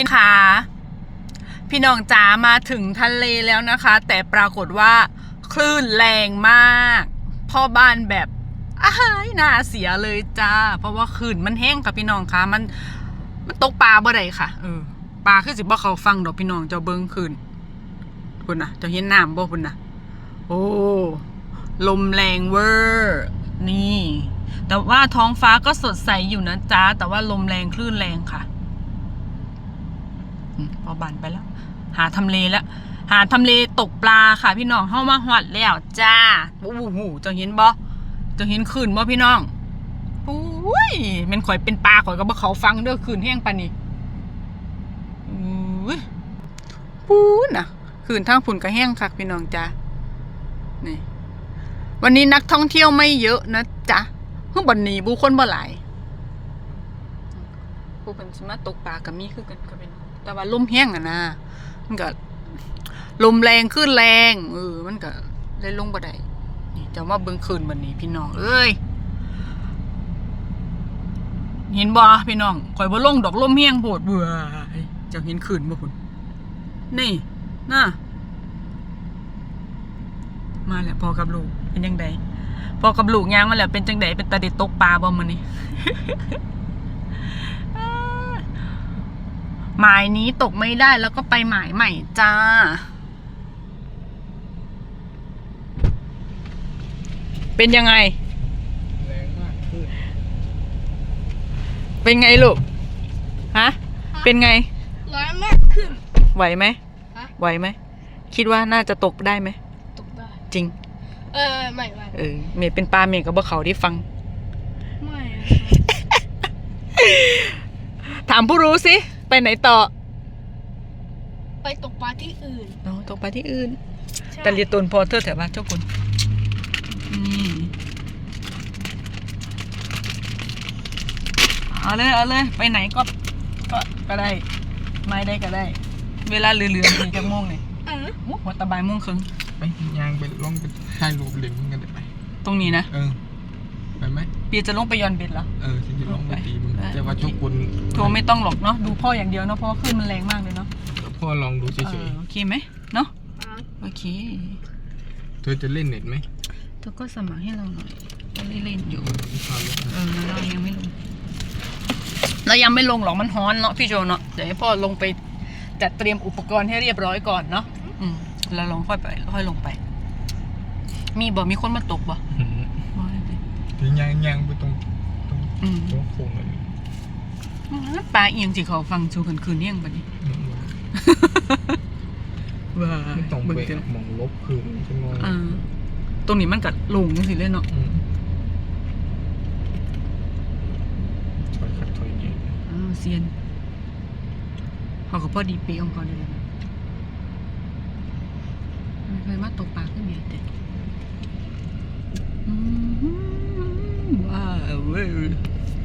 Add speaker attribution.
Speaker 1: คะพี่น้องจ๋ามาถึงทะเลแล้วนะคะ แต่ปรากฏว่าคลื่นแรงมากพ่อบ้านแบบอ้ายน่าเสียเลยจ้าเพราะว่าคลื่นมันแห้งค่ะพี่น้องคะมันตกปลาบ่ได้ค่ะปลาคือสิบ่เขาฟังดอกพี่น้องเจ้าเบิ้งคลื่นคุณนะเจ้าเห็นน้ำบ่คุณนะโอ้ลมแรงเวอร์นี่แต่ว่าท้องฟ้าก็สดใสอยู่นะจ๊ะแต่ว่าลมแรงคลื่นแรงค่ะพอบันไปแล้วหาทำเลแล้วหาทำเลตกปลาค่ะพี่น้องเข้ามาหอดแล้วจ้าโอ้โหจะเห็นบ่จะเห็นขื่นบ่พี่น้องปุ้ยมันข่อยเป็นปลาข่อยก็บ่เขาฟังเด้อขื่นแห้งปานนี้ปูน่ะขื่นทางฝุ่นก็แห้งคักพี่น้องจ้านี่วันนี้นักท่องเที่ยวไม่เยอะนะจ๊ะเพิ่งบ่หนีบุคคลบ่หลายผู้คนสิมาตกปลากับมีคือกันก็เป็นแต่ว่าลมแห้งอะนะมันก็ลมแรงขึ้นแรงมันก็เลยลงบ่ได้นี่จะมาเบิ่งคืนวันนี้พี่น้องเอ้ยเห็นบ่พี่น้องข่อยบ่ลงดอกลมแห้งโพดเบื่อจะเห็นคืนบ่พุ่นนี่น่ะมาแล้วพอกับลูกเป็นจังไดพอกับลูกย่างมาแล้วเป็นจังไดเป็นตาเด็ดตกปลาบ่มื้อนี้ หมายนี้ตกไม่ได้แล้วก็ไปหมายใหม่จ้าเป็นยังไง
Speaker 2: แรงมากขึ้น
Speaker 1: เป็นไงลูกฮะเป็นไง
Speaker 3: แรงมากขึ้น
Speaker 1: ไหวไหมไหวไหมคิดว่าน่าจะตกได้ไหม
Speaker 3: ตกได้
Speaker 1: จริง
Speaker 3: ไม่
Speaker 1: เมย์เป็นปลาเมย์กับบ่เขาที่ฟัง
Speaker 3: ไม่
Speaker 1: ถามผู้รู้สิไปไหนต่อ
Speaker 3: ไปตกปลาที่อื่น
Speaker 1: ตกปลาที่อื่นแต่เรียนตนพอเธอแถวบ้านเจ้าคุณเอาเลยไปไหนก็ได้ไม่ได้ก็ได้เวลาเหลือๆกี่ชั่วโมงเนี่ยหัวตะบายโมงครึ่ง
Speaker 2: ไปยางไปลงไปถ่ายรูปเล่นกันได้ไหม
Speaker 1: ตรงนี้นะ
Speaker 2: ไปไหม
Speaker 1: เปียจะลงไปย้อนเบ็ดเหรอ
Speaker 2: ฉันจะลงไปตีมึงแต่ว่าทุกคน
Speaker 1: โทรไม่ต้องหรอกเนาะดูพ่ออย่างเดียวเนาะเพราะขึ้นมันแรงมากเลยเนาะ
Speaker 2: พ่อลองดูเฉย
Speaker 1: ๆโอเคไหมเนาะโอเค
Speaker 2: เธอจะเล่นเน็ตไหม
Speaker 1: เธอก็สมัครให้เราหน่อยเราเล่นอยู่เรายังไม่ลงหรอกมันฮ้อนเนาะพี่โจเนาะเดี๋ยวให้พ่อลงไปจัดเตรียมอุปกรณ์ให้เรียบร้อยก่อนเนาะแล้วลงค่อยลงไปมีคนมาตกบ่
Speaker 2: ถึงยางไปตรงโค้งเลย
Speaker 1: ปลาเอียงสิเขาฟังชูคืนเอียงปะนี่ว้า
Speaker 2: ตรงไปมองลบคืนใช่ไหม
Speaker 1: ตรงนี้มันกัดลงจังสิเล่นเนาะ
Speaker 2: ถอยขัดถอยเงี้ย
Speaker 1: เซียนเขาก็พอดีเป๊ะองค์กรเลยไม่เคยมาตกปลาขึ้นเบียดเด็ดว้าวเว้ย